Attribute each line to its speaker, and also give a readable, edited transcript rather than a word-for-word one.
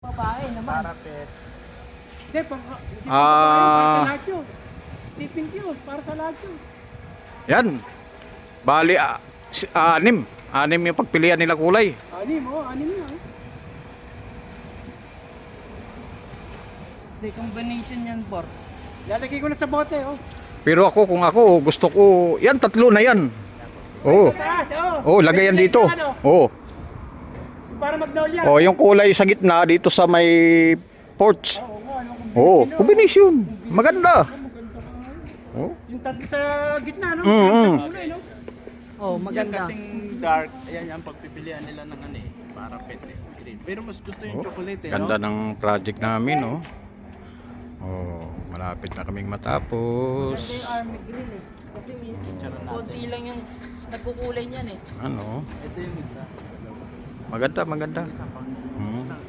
Speaker 1: Babae naman.
Speaker 2: Parapet.
Speaker 1: Hindi, para sa lahat yun. Tipping yun, para sa lahat yun.
Speaker 3: Yan. Bali, anim. Anim yung pagpilian nila kulay.
Speaker 1: Anim na. Hindi, combination yan, Bor. Lalagay ko na sa bote, oh.
Speaker 3: Pero ako, kung ako, gusto ko, yan, tatlo na yan. Oo.
Speaker 1: Taas, oh.
Speaker 3: Oh, lagay yan dito. Oo.
Speaker 1: Para magnolia.
Speaker 3: Oh, yung kulay sa gitna dito sa may porch.
Speaker 1: Oo nga, yung
Speaker 3: Oh, combination. Maganda. Oh.
Speaker 1: yung tatlo sa gitna, no? Kulay, no? Oh,
Speaker 2: Maganda. Yung kasing dark, ayan yung pagpipilian nila ng ano eh, parapet eh. Green. Pero mas gusto yung chocolate eh,
Speaker 3: Ganda
Speaker 2: no?
Speaker 3: ng project namin, oh. Oh, malapit na kaming matapos.
Speaker 4: Ganda yung army grill eh. Kasi may konti lang yung nagkukulay niyan eh.
Speaker 3: Ano?
Speaker 2: Ito yung isa.
Speaker 3: Maganda, maganda.
Speaker 2: Isa pa.
Speaker 3: Hmm.